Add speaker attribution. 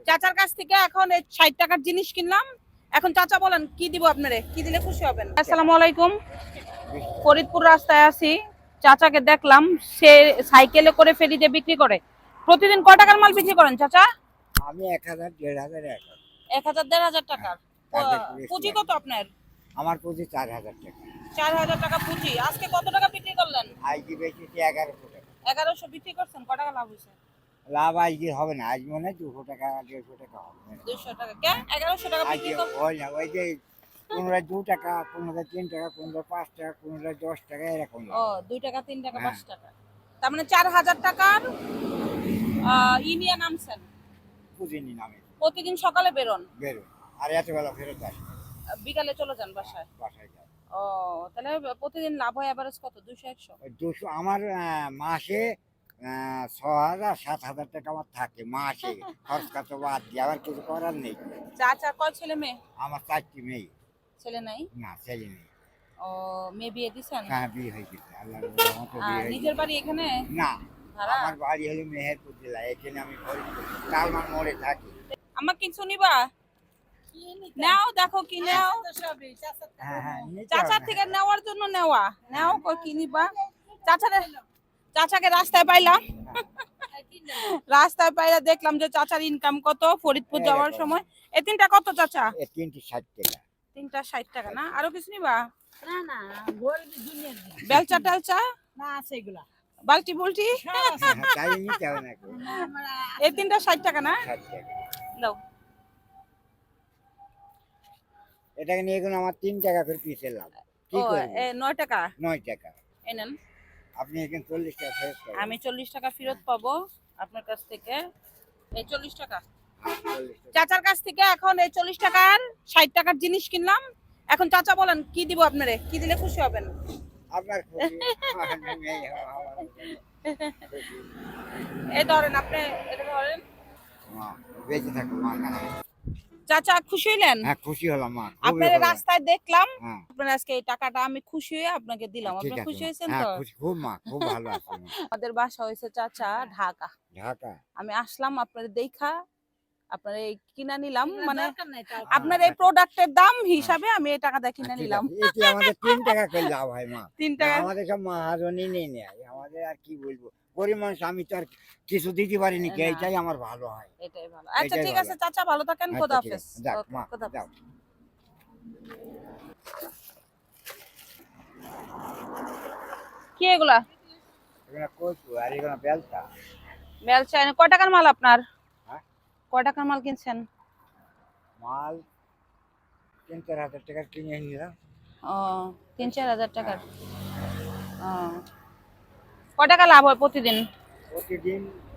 Speaker 1: চাচার কাছ থেকে এখন এই 60 টাকার জিনিস কিনলাম। এখন চাচা বলেন কি দিব আপনারে, কি দিলে খুশি হবেন? আসসালামু আলাইকুম। ফরিদপুর রাস্তায় আছি, চাচাকে দেখলাম সে সাইকেলে করে ফেরিতে বিক্রি করে। প্রতিদিন কয় টাকার মাল বিক্রি করেন চাচা?
Speaker 2: আমি 1000 1500
Speaker 1: 1000 1500 টাকার।
Speaker 2: তারপরে
Speaker 1: পুঁজি কত আপনার?
Speaker 2: আমার পুঁজি 4000 টাকা।
Speaker 1: 4000 টাকা পুঁজি। আজকে কত টাকা বিক্রি করলেন?
Speaker 2: আজকে বেচেছি 1100 টাকা।
Speaker 1: 1100 বিক্রি করছেন, কয় টাকা লাভ হয়েছে?
Speaker 2: লাভ আজকে হবে না, আজ মনে হয় 200 টাকা 150 টাকা হবে।
Speaker 1: 200 টাকা কে 1100 টাকা
Speaker 2: আজকে
Speaker 1: বিক্রি কর।
Speaker 2: হয় না, ওই যে 15 2 টাকা, 15 3 টাকা, 15 5 টাকা, 15 10 টাকা এরকম।
Speaker 1: ও 2 টাকা 3 টাকা
Speaker 2: হ্যাঁ।
Speaker 1: 5 টাকা। তার মানে 4000 টাকার নিয়ে নামছেন।
Speaker 2: পুঁজি নি নামে
Speaker 1: প্রতিদিন সকালে বেরোন,
Speaker 2: বেরো আর এত বেলা ফেরত আসে
Speaker 1: বিকালে চলে যান বাসায়।
Speaker 2: বাসায় যায়।
Speaker 1: ও তাহলে প্রতিদিন লাভ হয় এভারেজ কত? 200 100?
Speaker 2: ওই 200 আমার মাসে 6000 7000 টাকা আমার থাকে মাসে, খরচ কত বাদ দিয়ে আবার কিছু করার নেই।
Speaker 1: চাচা কয় ছেলে মেয়ে?
Speaker 2: আমার 4টি মেয়ে।
Speaker 1: ছেলে নাই?
Speaker 2: না ছেলে নেই।
Speaker 1: ও মেয়ে বিয়ে দিছেন?
Speaker 2: হ্যাঁ বিয়ে হয়ে গেছে, আল্লাহর রহমতে বিয়ে হয়ে
Speaker 1: নিজের
Speaker 2: গেছে।
Speaker 1: বাড়ি এখানে?
Speaker 2: না,
Speaker 1: ভাড়া?
Speaker 2: আমার বাড়ি হলো মেহেরপুর জেলা, এখানে আমি ফরিদপুর তালমান মোড়ে থাকি।
Speaker 1: আমার কিছু নিবা? নাও দেখো কি নাও।
Speaker 2: হ্যাঁ হ্যাঁ নিতে
Speaker 1: চাচার
Speaker 2: হবে।
Speaker 1: থেকে নেওয়ার জন্য নেওয়া, নাও কই কি নিবা? চাচাকে রাস্তায় পাইলাম, রাস্তায় পাইলা দেখলাম যে চাচার ইনকাম কত ফরিদপুর যাওয়ার সময়। এই তিনটা কত চাচা?
Speaker 2: এ 3টি 60 টাকা।
Speaker 1: তিনটা 60 টাকা না? আরো কিছু নিবা?
Speaker 3: না না গোল দুনিয়ার
Speaker 1: বেলচা টেলচা,
Speaker 3: না আছে এগুলা
Speaker 1: বালতি বুলটি,
Speaker 2: হ্যাঁ, তাই নিতে হবে নাকি?
Speaker 1: এই তিনটা 60 টাকা না?
Speaker 2: 60 টাকা।
Speaker 1: দাও।
Speaker 2: এটাকে নিয়ে এখন আমার 3 টাকা করে পিস লাভ। কি
Speaker 1: ও
Speaker 2: করব?
Speaker 1: 9 টাকা
Speaker 2: 9 টাকা।
Speaker 1: এই নেন।
Speaker 2: আপনি এখানে 40 টাকা ফেরত পাবেন।
Speaker 1: আমি 40 টাকা ফেরত পাবো আপনার কাছ থেকে। এই 40 টাকা
Speaker 2: 40 টাকা।
Speaker 1: চাচার কাছ থেকে এখন এই 40 টাকার 60 টাকার জিনিস কিনলাম। এখন চাচা বলেন কি দিব আপনারে, কি দিলে খুশি হবেন?
Speaker 2: আপনার খুশি, আমার মেয়ে আমার খুশি।
Speaker 1: এই ধরেন, আপনি এটা ধরেন।
Speaker 2: মা বেঁচে থাকো মা।
Speaker 1: চাচা খুশি হইলেন?
Speaker 2: হ্যাঁ খুশি হলাম মা, খুবই
Speaker 1: আপনার
Speaker 2: ভালো।
Speaker 1: রাস্তায় দেখলাম,
Speaker 2: হ্যাঁ
Speaker 1: আপনার আজকে এই টাকাটা আমি খুশি হয়ে আপনাকে দিলাম।
Speaker 2: ঠিক
Speaker 1: আপনি
Speaker 2: আছে
Speaker 1: খুশি
Speaker 2: মা।
Speaker 1: হয়েছেন
Speaker 2: হ্যাঁ
Speaker 1: তো?
Speaker 2: খুশি, খুব মা, খুব ভালো আছি মা।
Speaker 1: আমাদের বাসা হয়েছে চাচা ঢাকা।
Speaker 2: ঢাকা।
Speaker 1: আমি আসলাম আপনার দেখা, আপনার এই কিনা নিলাম, মানে
Speaker 3: দরকার নাই তার
Speaker 1: আপনার এই প্রোডাক্টের দাম হিসাবে আমি এই টাকাটা কিনে
Speaker 2: ঠিক
Speaker 1: নিলাম।
Speaker 2: আছে, এটি আমাদের 3 টাকা করে লাভ হয় মা।
Speaker 1: 3 টাকা।
Speaker 2: আমাদের সব মহাজনই নেই নেয়, আমাদের আর কি বলবো, গরিব মানুষ, আমি তো আর কিছু দিতে পারিনি,
Speaker 1: না।
Speaker 2: এইটাই আমার ভালো হয়।
Speaker 1: এটাই ভালো। আচ্ছা
Speaker 2: এটাই
Speaker 1: ঠিক
Speaker 2: ভালো।
Speaker 1: আছে চাচা, ভালো থাকেন।
Speaker 2: আচ্ছা,
Speaker 1: খোদা
Speaker 2: ঠিক
Speaker 1: হাফেজ।
Speaker 2: আছে। যাক
Speaker 1: ওকে,
Speaker 2: মা,
Speaker 1: খোদা হাফেজ।
Speaker 2: যাও।
Speaker 1: কি এগুলা?
Speaker 2: এখানে কচু আর এখানে বেলচা।
Speaker 1: বেলচা কয় টাকার মাল আপনার?
Speaker 2: হ্যাঁ
Speaker 1: কয় টাকার মাল কিনছেন?
Speaker 2: মাল 3-4 হাজার টাকার কিনে নিলাম।
Speaker 1: ও 3-4 হাজার টাকার। ও কয় টাকা লাভ হয় প্রতিদিন?
Speaker 2: প্রতিদিন